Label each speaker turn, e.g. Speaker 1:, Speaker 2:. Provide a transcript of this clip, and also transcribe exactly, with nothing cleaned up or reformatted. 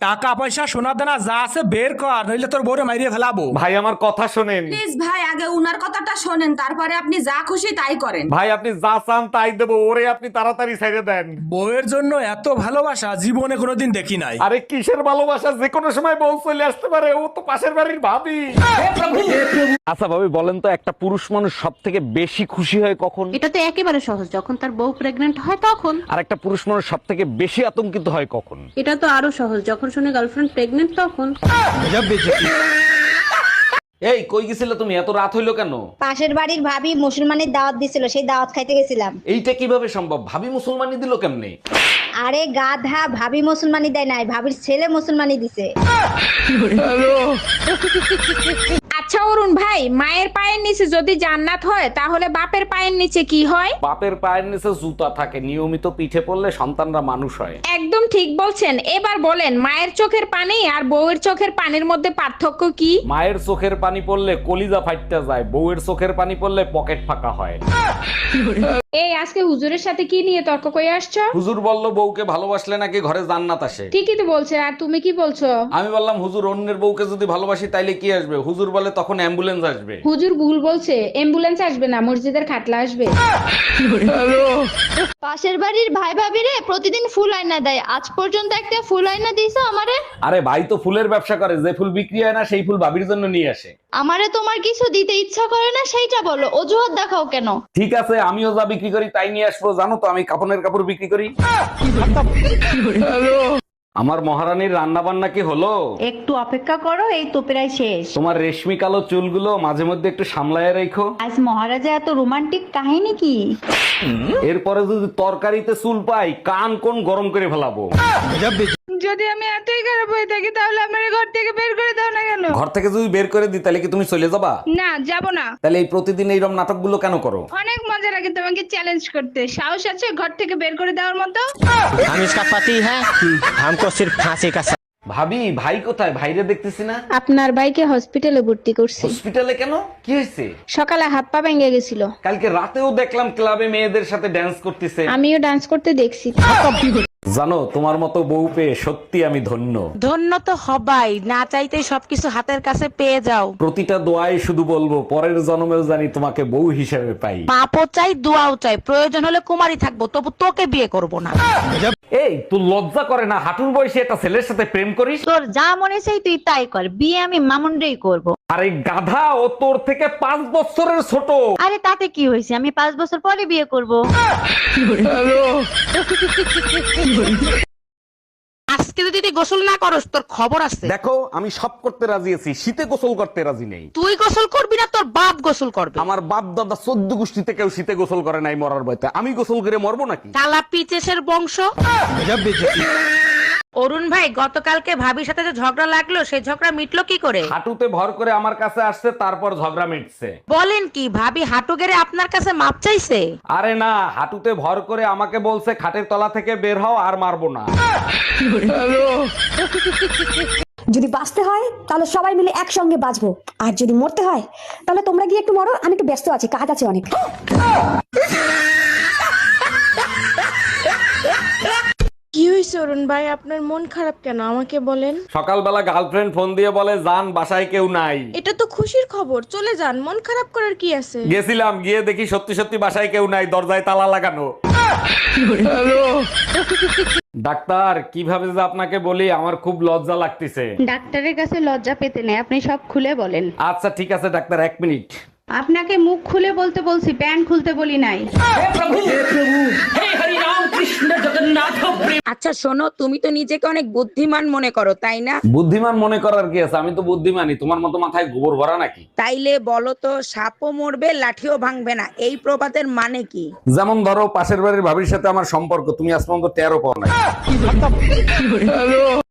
Speaker 1: টাকা পয়সা সোনা দানা যা আছে বের কর, নইলে তোর বউরে মাইরিয়ে ফেলাবো।
Speaker 2: ভাই আমার কথা শোনেন।
Speaker 3: প্লিজ ভাই, আগে উনার কথাটা শোনেন, তারপরে আপনি যা খুশি তাই করেন।
Speaker 2: ভাই আপনি যা চান তাই দেবো, ওরে আপনি তাড়াতাড়ি ছেড়ে দেন।
Speaker 1: বউয়ের জন্য এত ভালোবাসা জীবনে কোনোদিন দেখি নাই।
Speaker 2: আরে কিসের ভালোবাসা, যে কোনো সময় বউ চলে আসতে পারে, ও তো পাশের বাড়ির ভাবি। আচ্ছা ভাবি বলেন তো, একটা পুরুষ মানুষ সব থেকে বেশি খুশি হয় কখন?
Speaker 4: এটা তো একেবারে সহজ, যখন তার বউ প্রেগনেন্ট হয় তখন।
Speaker 2: আর একটা পুরুষ মানুষ সব থেকে বেশি আতঙ্কিত হয় কখন?
Speaker 4: এটা তো আরো সহজ, যখন শুনে গার্লফ্রেন্ড প্রেগনেন্ট তখন।
Speaker 2: এই কই গেছিলে তুমি, এত রাত হইলো কেন?
Speaker 5: পাশের বাড়ির ভাবি মুসলমানের দাওয়াত দিছিল, সেই দাওয়াত খাইতে গেছিলাম।
Speaker 2: এইটা কিভাবে সম্ভব? ভাবি মুসলমানি দিল কেমনে?
Speaker 5: আরে গাধা, ভাবি মুসলমানি দেয় নাই, ভাবির ছেলে মুসলমানি দিছে।
Speaker 6: আচ্ছা অরুণ ভাই, মায়ের পায়ের নিচে যদি জান্নাত হয় তাহলে বাপের পায়ের নিচে কি হয়?
Speaker 2: বাপের পায়ের নিচে জুতা থাকে, নিয়মিত পিঠে পড়লে সন্তানরা মানুষ হয়।
Speaker 6: একদম ঠিক বলছেন। এবার বলেন, মায়ের চোখের পানি আর বউয়ের চোখের পানির মধ্যে পার্থক্য কি?
Speaker 2: মায়ের চোখের পানি পড়লে কলিজা ফাইটতে যায়, বউয়ের চোখের পানি পড়লে পকেট ফাঁকা হয়।
Speaker 6: এই আজকে হুজুরের সাথে কি নিয়ে তর্ক করে আসছো?
Speaker 2: হুজুর বলল বউকে ভালোবাসলে নাকি ঘরে জান্নাত আসে।
Speaker 6: ঠিকই তো বলছে, আর তুমি কি বলছো?
Speaker 2: আমি বললাম হুজুর অন্যের বউকে যদি ভালোবাসি তাইলে কি আসবে? হুজুর বলে তখন অ্যাম্বুলেন্স আসবে।
Speaker 6: হুজুর ভুল বলছে, অ্যাম্বুলেন্স আসবে না, মসজিদের খাটলা আসবে।
Speaker 7: পাশের বাড়ির ভাই ভাবিরে প্রতিদিন ফুল আয়না দেয়, আজ পর্যন্ত একটা ফুল আয়না দিয়েছো আমারে?
Speaker 2: আরে ভাই তো ফুলের ব্যবসা করে, যে ফুল বিক্রি হয় না সেই ফুল ভাবির জন্য নিয়ে আসে।
Speaker 7: আমারে তোমার কিছু দিতে ইচ্ছা করে না সেইটা বলো, অজুহাত দেখাও কেন?
Speaker 2: ঠিক আছে, আমিও যা বিক্রি করি তাই নিয়ে আসবো। জানো তো আমি কাপড়ের কাপড় বিক্রি করি। আমার মহারানীর রান্না বান্না কি হলো?
Speaker 4: একটু অপেক্ষা করো, এই তো প্রায় শেষ।
Speaker 2: তোমার রেশমি কালো চুলগুলো মাঝে মধ্যে একটু সামলায় রেখো।
Speaker 4: আজ মহারাজা এত রোমান্টিক কাহিনী কি?
Speaker 2: এরপরে যদি তরকারিতে চুল পাই, কান কোন গরম করে ফেলাবো।
Speaker 6: যদি আমি এতই খারাপ হয়ে থাকি তাহলে আমার ঘর থেকে বের করে দাও না কেন?
Speaker 2: ঘর থেকে যদি বের করে দিই তাহলে কি তুমি চলে যাবা?
Speaker 6: না, যাব না।
Speaker 2: তাহলে এই প্রতিদিন এইরকম নাটকগুলো কেন করো?
Speaker 6: অনেক মজা লাগে তোমাকে চ্যালেঞ্জ করতে। সাহস আছে ঘর থেকে বের করে দেওয়ার মতো?
Speaker 8: हम इसका पति है, हमको सिर्फ फांसी का सजा।
Speaker 2: ভাবি ভাই কোথায়? ভাইরে দেখতেছি না।
Speaker 6: আপনার ভাইকে হসপিটালে ভর্তি করছি।
Speaker 2: হসপিটালে কেন, কি হয়েছে?
Speaker 6: সকালে হাত পা ভেঙে গেছিল।
Speaker 2: কালকে রাতেও দেখলাম ক্লাবে মেয়েদের সাথে ড্যান্স করতেছে।
Speaker 6: আমিও ডান্স করতে দেখছি।
Speaker 2: জানো তোমার মতো বউ পেয়ে সত্যি আমি ধন্য।
Speaker 9: ধন্য তো হবাই, না চাইতেই সবকিছু হাতের কাছে পেয়ে যাও।
Speaker 2: প্রতিটা দোয়ায় শুধু বলবো পরের জন্মেও জানি তোমাকে বউ হিসেবে পাই।
Speaker 9: পাপও চাই, দোয়াও চাই, প্রয়োজন হলে কুমারী থাকবো, তবু তোকে বিয়ে করব না।
Speaker 2: এই তুই লজ্জা করে না হাঁটুর বয়সে একটা ছেলের সাথে প্রেম করিস?
Speaker 4: তোর যা মনে চাই তুই তাই কর, বিয়ে আমি মামুনরেই করব।
Speaker 2: আরে গাধা, ও তোর থেকে পাঁচ বছরের ছোট।
Speaker 4: আরে তাতে কি হয়েছে, আমি পাঁচ বছর পরে বিয়ে করব।
Speaker 9: আজকে যদি তুই গোসল না করস তোর খবর আছে।
Speaker 2: দেখো আমি সব করতে রাজি আছি, শীতে গোসল করতে রাজি নেই।
Speaker 9: তুই গোসল করবি না, তোর বাপ গোসল করবে।
Speaker 2: আমার বাপ দাদা চোদ্দ গোষ্ঠীতে কেউ শীতে গোসল করে নাই মরার ভয়তে, আমি গোসল করে মরবো নাকি?
Speaker 9: কালা পিচেসের বংশ। অরুণ ভাই, গতকালকে ভাবির সাথে যে ঝগড়া লাগলো সেই ঝগড়া মিটলো কি করে?
Speaker 2: হাঁটুতে ভর করে আমার কাছে আসছে, তারপর ঝগড়া মিটছে।
Speaker 9: বলেন কি, ভাবি হাঁটু গেড়ে আপনার কাছে মাপ চাইছে?
Speaker 2: আরে না, হাঁটুতে ভর করে আমাকে বলছে খাটের তলা থেকে বের হও, আর মারবো না।
Speaker 10: যদি বাঁচতে হয় তাহলে সবাই মিলে একসঙ্গে বাঁচবো, আর যদি মরতে হয় তাহলে তোমরা গিয়ে একটু মরো, আমি একটু ব্যস্ত আছি, কাজ আছে অনেক।
Speaker 6: কি হয়েছে অরুণ ভাই, আপনার মন খারাপ কেন আমাকে বলেন?
Speaker 2: সকালবেলা গার্লফ্রেন্ড ফোন দিয়ে বলে জান বাসায় কেউ নাই।
Speaker 6: এটা তো খুশির খবর, চলে যান, মন খারাপ করার কি আছে?
Speaker 2: গেছিলাম, গিয়ে দেখি সত্যি সত্যি বাসায় কেউ নাই, দরজায় তালা লাগানো। ডাক্তার কিভাবে যে আপনাকে বলি, আমার খুব লজ্জা লাগতেছে।
Speaker 4: ডাক্তারের কাছে লজ্জা পেতে নেই, আপনি সব খুলে বলেন।
Speaker 2: আচ্ছা ঠিক আছে ডাক্তার, এক মিনিট।
Speaker 4: আপনাকে মুখ খুলে বলতে বলছি, প্যান্ট খুলতে বলি নাই।
Speaker 6: আচ্ছা শোনো, তুমি তো নিজেকে অনেক বুদ্ধিমান মনে করো তাই না?
Speaker 2: বুদ্ধিমান মনে করার কি আছে, আমি তো বুদ্ধিমানই। তোমার মতো মাথায় গোবর ভরা নাকি?
Speaker 6: তাইলে বলো তো, সাপও মরবে লাঠিও ভাঙবে না, এই প্রবাদের মানে কি?
Speaker 2: যেমন ধরো পাশের বাড়ির ভাবির সাথে আমার সম্পর্ক, তুমি আজ পর্যন্ত টেরও পাও না।